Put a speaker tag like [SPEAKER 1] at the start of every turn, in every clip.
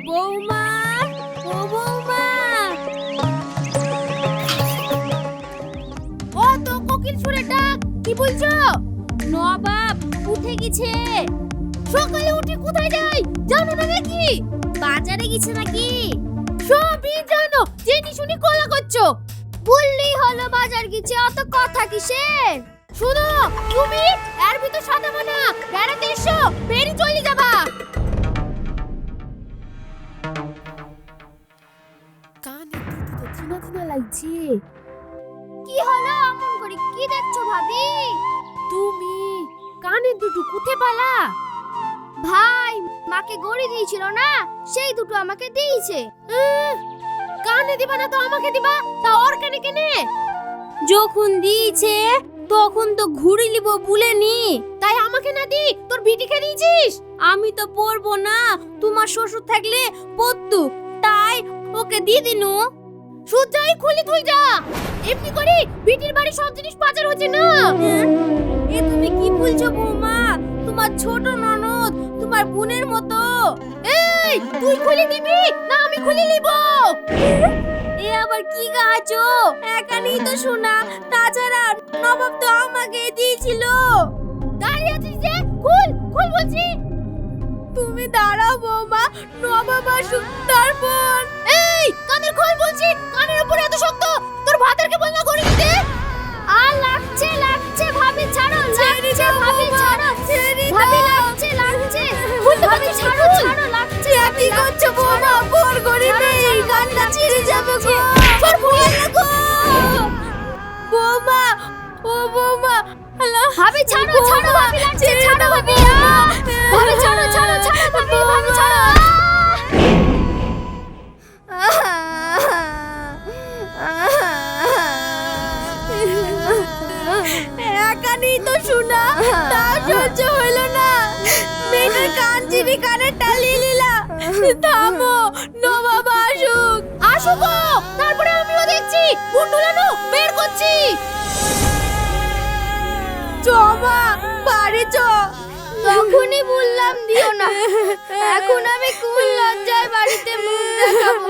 [SPEAKER 1] বৌমা, ও বৌমা, ও তো কোকিল সুরে ডাক। কি বলছো? নবাব উঠে গেছে। সকালে উঠে কোথায় যায় জানো না নাকি? বাজারে গেছে নাকি? সবই জানো, জেনে শুনি কলা করছো। বললেই হলো বাজার গেছে, অত কথা কিসের? শুনো, তুমি এর ভিতর সাদা মানা বেড়াতে এসো, বেরি চলে যাবা। কানে তো চিনা চিনা লাগছে। কি হলো অমন করে কি দেখছো ভাবি? তুমি কানে দুটো কুথে পালা? ভাই মাকে গড়ি দিয়েছিল না, সেই দুটো আমাকে দিয়েছে। কানে দিবা না তো আমাকে দিবা, তা ওর কানে কেনে? যখন দিয়েছে তখন তো ঘুরি লিব বলেনি, তাই আমাকে না দি তোর বিটিকে দিয়েছিস। আমি তো পড়বো না, তোমার শ্বশুর থাকলে পড়তু, তাই ওকে দিয়ে দিনু। সুজাই খুলি তুই যা, এমনি করে বিটির বাড়ি সব জিনিস পাচার হচ্ছে না। এ তুমি কি বলছো বৌমা? তোমার ছোট ননদ তোমার বোনের মতো। এই তুই খুলে দিবি না আমি খুলে নিব? এ আবার কি গাছো? একানি তো শোনা, তাছাড়া নবাব তো আমাকে দিয়েছিল। দাঁড়িয়ে আছিস যে, খুল খুল বলছি। তুমি দাঁড়াও বৌমা, নবাব আসুক তারপর। এই কানের খোল বলছি, কানের উপরে এত শক্ত, তোর ভাতেরকে বল না করে দিতে। আর লাগছে লাগছে ভাবি ছাড়ো, লাগছে ভাবি ছাড়ো, ভাবি লাগছে লাগছে, ভাবি ছাড়ো ছাড়ো, লাগছে। কি করছো বৌমা? ভোর গরিবে এই গানটা ছিঁড়ে যাবে গো। তোর ভয় লাগো বৌমা, ও বৌমা, ভাবি ছাড়ো ছাড়ো, ভাবি লাগছে, ছাড়ো ভাবি, ভাবি ছাড়ো ছাড়ো ছাড়ো, ভাবি ভাবি ছাড়ো। একানি তো শোনা, তা সহ্য হইল না, মেয়েটার কান চিনি কানের টালি লিলা। থামো, নবাব আসুক আসুক, তারপরে আমিও দেখছি গুন্ডুলানো বের করছি। জমা বাড়ি চ। তখনই বললাম দিও না, এখন আমি কোন লজ্জায় বাড়িতে মুখ দেখাবো।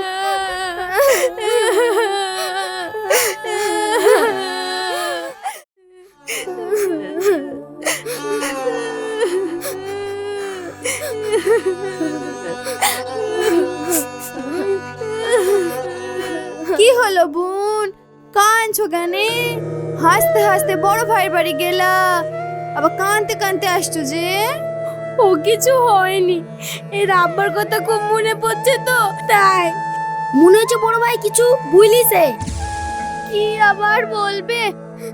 [SPEAKER 1] কি হলো বোন, কাঁদছো কেন? হাসতে হাসতে বড় ভাইয়ের বাড়ি গেলা, আবার কাঁদতে কাঁদতে আসছো যে? ও কিছু হয়নি, এর আব্বার কথা খুব মনে পড়ছে তো তাই। মনে হচ্ছে বড় ভাই কিছু ভুলিছে। কি আবার বলবে?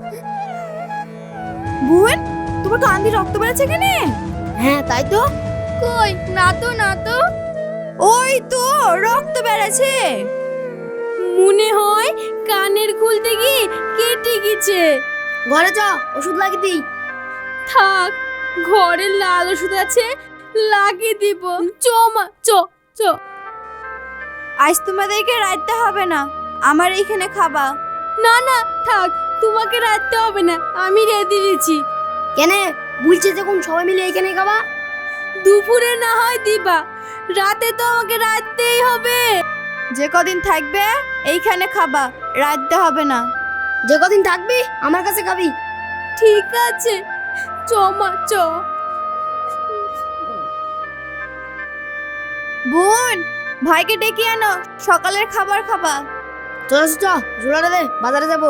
[SPEAKER 1] বোন তোমার কান দিয়ে রক্ত বেরোচ্ছে কেন? হ্যাঁ তাই তো। কই না তো না তো। ওই তো রক্ত বেরোচ্ছে, মনে হয় কানের খুলতে গিয়ে কেটে গেছে। ঘরে যা ওষুধ লাগিয়ে দিই। থাক, ঘরে লাল ওষুধ আছে, লাগিয়ে দিব। চ মা চ চ। আজ তোমাদেরকে রাখতে হবে না, আমার এইখানে খাবা। না না থাক, তোমাকে রাখতে হবে না, আমি রেঁধে দিয়েছি। কেন বলছি যখন সবাই মিলে এইখানে খাবা? দুপুরে না হয় দিবা, রাতে তো আমাকে রাখতেই হবে। যে কদিন থাকবে এইখানে খাবা, রাখতে হবে না। যে কদিন থাকবি আমার কাছে খাবি। ঠিক আছে, চ মা চ। বোন ভাইকে ডেকে আনো, সকালের খাবার খাবা। চল চ, ঝোলাটা দে, বাজারে যাবো।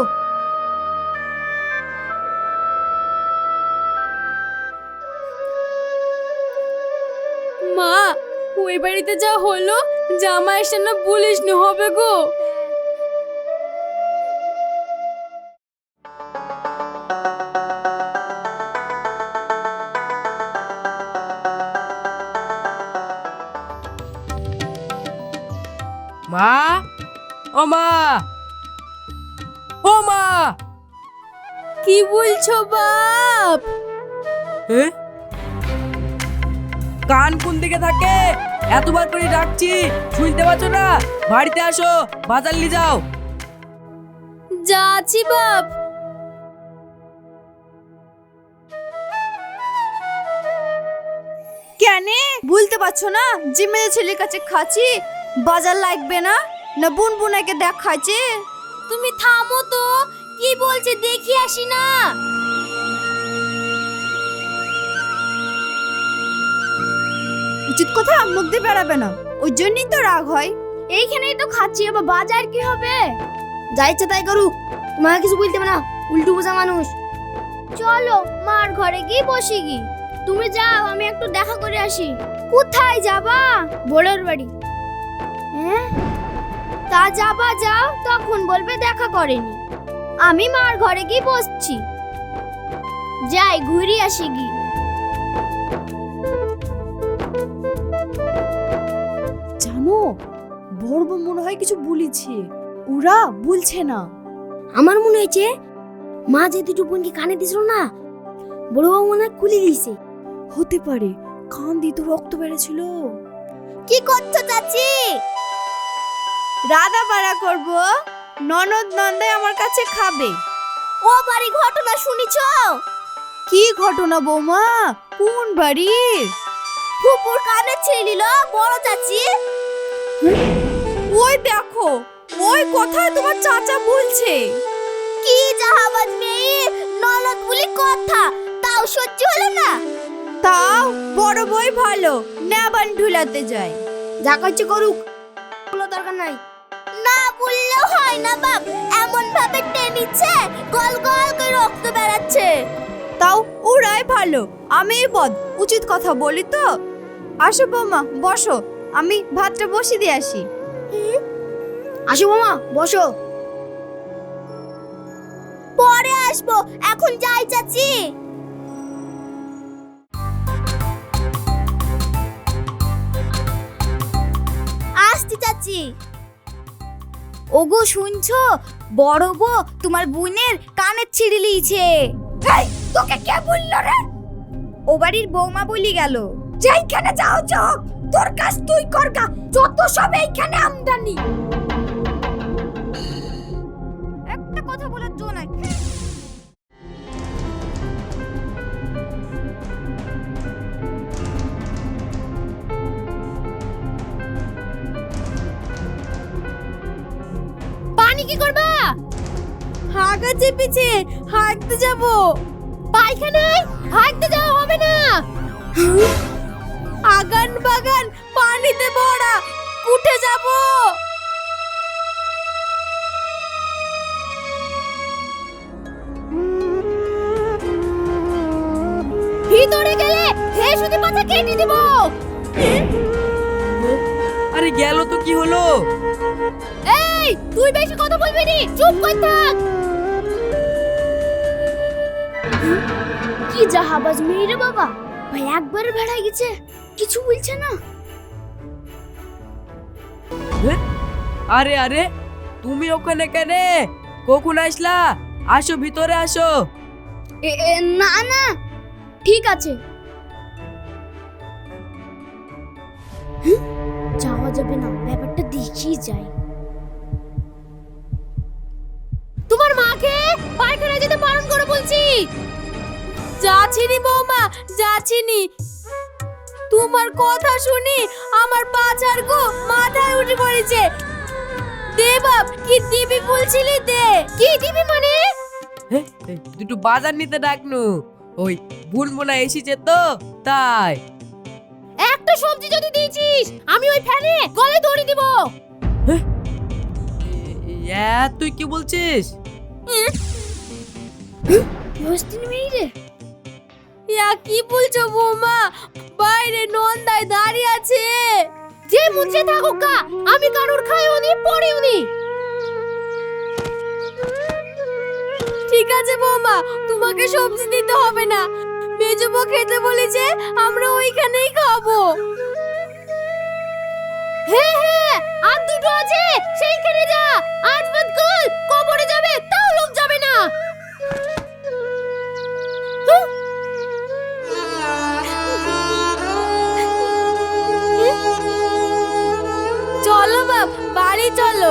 [SPEAKER 1] মা ওই বাড়িতে যা হলো, জামাইয়ের সামনে বলিস নি হবে গো।
[SPEAKER 2] মা, ও মা, ও মা।
[SPEAKER 1] কি বলছো বাপ?
[SPEAKER 2] কান কোন দিকে থাকে? এতবার করে ডাকছি, শুনতে পাচ্ছ না? বাড়িতে আসো, বাজার নিয়ে যাও।
[SPEAKER 1] যাচ্ছি বাপ। কেন
[SPEAKER 3] বলতে পারছো না যে মেয়ে ছেলের কাছে খাচ্ছি বাজার লাগবে না না বোন বোনাকে দেখাচ্ছে।
[SPEAKER 1] তুমি থামো তো, কি বলছে দেখি আসি না।
[SPEAKER 3] উচিত কথা মুখ দিয়ে বেড়াবে না, ওই জন্যই তো রাগ হয়।
[SPEAKER 1] এইখানেই তো খাচ্ছি, আবার বাজার কি হবে?
[SPEAKER 4] যা ইচ্ছা তাই করুক, তোমাকে কিছু বলতে হবে না, উল্টো বোঝা মানুষ।
[SPEAKER 1] চলো মার ঘরে গিয়ে বসি গি। তুমি যাও, আমি একটু দেখা করে আসি। কোথায় যাবা? বোরের বাড়ি। হ্যাঁ, তা যাবা যাও, তখন বলবে দেখা করেনি। আমি মার ঘরে গিয়ে বসছি, যাই ঘুরে আসি গি।
[SPEAKER 3] জানো বড় বউ মনে হয় কিছু বলেছে, ওরা বলছে না।
[SPEAKER 4] আমার মনে হয়েছে মা যে দুটো বোনকে কানে দিছিল না, বড় বাবু মনে হয় খুলে দিয়েছে।
[SPEAKER 3] হতে পারে, কান দিয়ে তো রক্ত বেড়েছিল।
[SPEAKER 1] কি করছো চাচি?
[SPEAKER 3] রাধা বাড়া করব, ননদ নন্দাই আমার কাছে খাবে।
[SPEAKER 1] ও বাড়ি ঘটনা শুনিছো?
[SPEAKER 3] কি ঘটনা বৌমা? কোন বাড়ির?
[SPEAKER 1] ফুপুর কানে ছিলিল বড় চাচি।
[SPEAKER 3] ওই দেখো, ওই কথায় তোমার চাচা বলছে।
[SPEAKER 1] কি জাহাবাজ মেয়ে, ননদ বলি কথা, তাও সহ্য হলো না।
[SPEAKER 3] তাও বড় বই ভালো, নেবান ঢুলাতে যায়।
[SPEAKER 4] যা করছে করুক, কোনো দরকার নাই।
[SPEAKER 1] না বললেও হয় না বাপ, এমন ভাবে টেনিচ্ছে গল গল করে রক্ত বেরাচ্ছে।
[SPEAKER 3] তাও ওরাই ভালো, আমি বদ উচিত কথা বলি তো। আসো বৌমা বসো, আমি ভাতটা বসিয়ে দিয়ে আসি।
[SPEAKER 4] আসো মামা বসো।
[SPEAKER 1] পরে আসবো, এখন যাই চাচি। আসছি চাচি। ওগো শুনছো, বড় বউ তোমার বোনের কানের ছিঁড়ে লিয়েছে। তোকে কে বললো রে? ও বাড়ির বৌমা বলি গেল। যেইখানে যাও যাও, তোর কাজ তুই করগা, যত সব এইখানে আমদানি। একটা কথা বলার জো নাই। পানি কি করবা?
[SPEAKER 3] হাগা চেপেছে, হাঁটতে যাব।
[SPEAKER 1] পায়খানায় হাঁটতে যাওয়া হবে না।
[SPEAKER 3] আগান বাগান পানিতে ভরা, উঠে যাব।
[SPEAKER 1] ভিতরে গেলে হে সুদি পাতা কেটে দিব।
[SPEAKER 2] আরে গেল তো কি হলো?
[SPEAKER 1] এই তুই বেশি কথা বলবি নি, চুপ কর থাক। কি জাহাবাজ মেয়ে রে বাবা, ভাই একবার বেড়াই গেছে, কিছু বলছে না।
[SPEAKER 2] আরে আরে, তুমি ওখানে কেন? কখন আসলা? আসো ভিতরে আসো।
[SPEAKER 1] না না ঠিক আছে, যাওয়া যাবে না, ব্যাপারটা দেখি যাই। তোমার মাকে পায়খানা যেতে বারণ করে বলছি।
[SPEAKER 3] যাচ্ছিনি বৌমা, যাচ্ছিনি। তোমার কথা শুনি আমার পাছার গো মাথায় উঠে পড়েছে। দে বাপ, কি দিবি বলছিলি দে।
[SPEAKER 1] কি দিবি মানে?
[SPEAKER 2] দুটো বাজার নিতে ডাকনু, ওই বুনবুনা এসেছে তো তাই।
[SPEAKER 1] একটা সবজি যদি দিয়েছিস, আমি ওই ফ্যানে গলে দড়ি দিব।
[SPEAKER 2] তুই কি বলছিস?
[SPEAKER 1] মস্তিন মেয়ে রে।
[SPEAKER 3] ইয়া কি বলছো বৌমা? বাইরে নন্দায় দাঁড়িয়ে আছে।
[SPEAKER 1] যে মুছে থাকুক গা, আমি কারোর খাইও নি পড়েও নি।
[SPEAKER 3] ঠিক আছে বৌমা, তোমাকে সবজি দিতে হবে না। মেজবো খেতে বলেছে, আমরা ওইখানেই খাবো।
[SPEAKER 1] হ্যাঁ হ্যাঁ, আর দুটো আছে, সেইখানে যা। আজ বাদ কল কবরে যাবে, তাও লোক যাবে না।
[SPEAKER 3] চলো বাপ, বাড়ি চলো।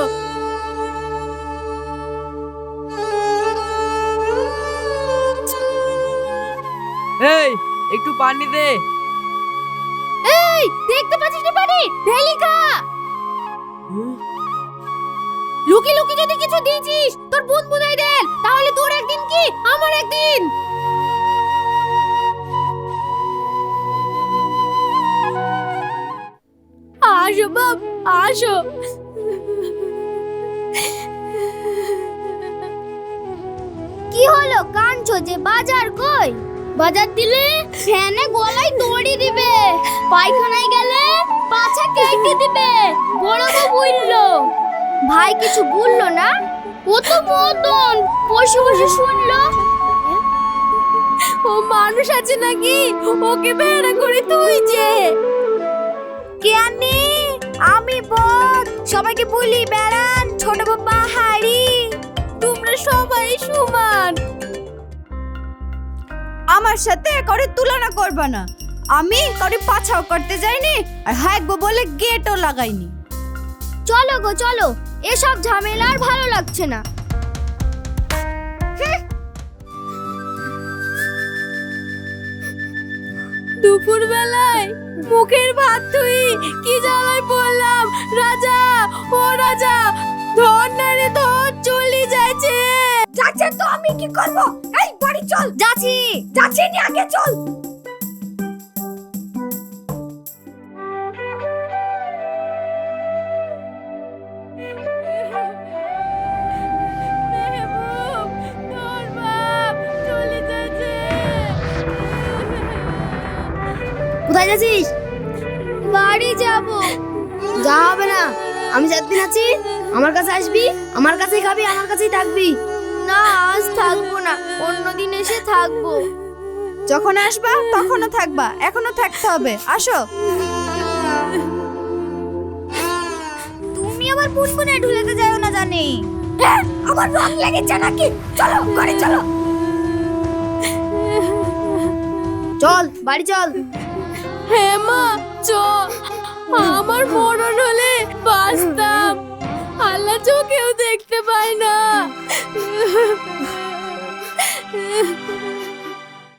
[SPEAKER 2] এই একটু পানি দে।
[SPEAKER 1] এই এই দেখতে পাচ্ছিস না পারি ঢেলিকা লুকি লুকি যদি কিছু দিয়েছিস তোর বোন বুনাই দেন তাহলে তোর একদিন কি আমার একদিন
[SPEAKER 3] আসো বাপ আসো।
[SPEAKER 1] কি হলো কাঁদছো যে বাজার কই বাজার দিলে ফ্যানে গলায় দড়ি দিবে পায়খানায় গেলে পাছা কেটে দিবে বড় বউ বললো ভাই কিছু বললো না ও তো মদন বসে বসে শুনলো
[SPEAKER 3] ও মানুষ আছে নাকি ওকে বেড়া করে তুই যে
[SPEAKER 1] কেনি আমি বল সবাইকে বলি বেড়ান ছোট বউ পাহাড়ি
[SPEAKER 3] তোমরা সবাই সমান।
[SPEAKER 5] আমার সাথে করে তুলনা করবা না। আমি করে পাছাও করতে যাইনি আর হাঁকবো বলে গেটও লাগাইনি।
[SPEAKER 1] চলো গো চলো এসব ঝামেলা আর ভালো লাগছে না
[SPEAKER 3] দুপুর বেলায় মুখের ভাত তুই কি জ্বালায় বললাম রাজা ও রাজা ধর না রে ধর চলে যাচ্ছে।
[SPEAKER 5] যাচ্ছে তো আমি কি করব? এই বাড়ি চল।
[SPEAKER 1] যাচ্ছি
[SPEAKER 5] যাচ্ছি নি আগে চল।
[SPEAKER 3] মেহবুব তোর বাপ চলে যাচ্ছে।
[SPEAKER 4] কোথায় যাচ্ছিস?
[SPEAKER 1] বাড়ি যাব
[SPEAKER 4] যা হবে না, আমি যতদিন আছি আমার কাছে আসবি, আমার কাছেই খাবি, আমার কাছেই থাকবি।
[SPEAKER 1] না আজ থাকবো না অন্যদিন এসে থাকবো
[SPEAKER 5] যখন আসবা তখনও থাকবা, এখনো থাকতে হবে। আসো।
[SPEAKER 1] তুমি আবার পুনপুনে ঢুলেতে যাও না জানি
[SPEAKER 5] আমার রং লেগেছে নাকি? চলো ঘরে চলো।
[SPEAKER 4] চল বাড়ি চল।
[SPEAKER 3] হ্যাঁ মা চ আমার মরণ হলে বাঁচতাম আল্লাহ চোখেও দেখতে পায় না।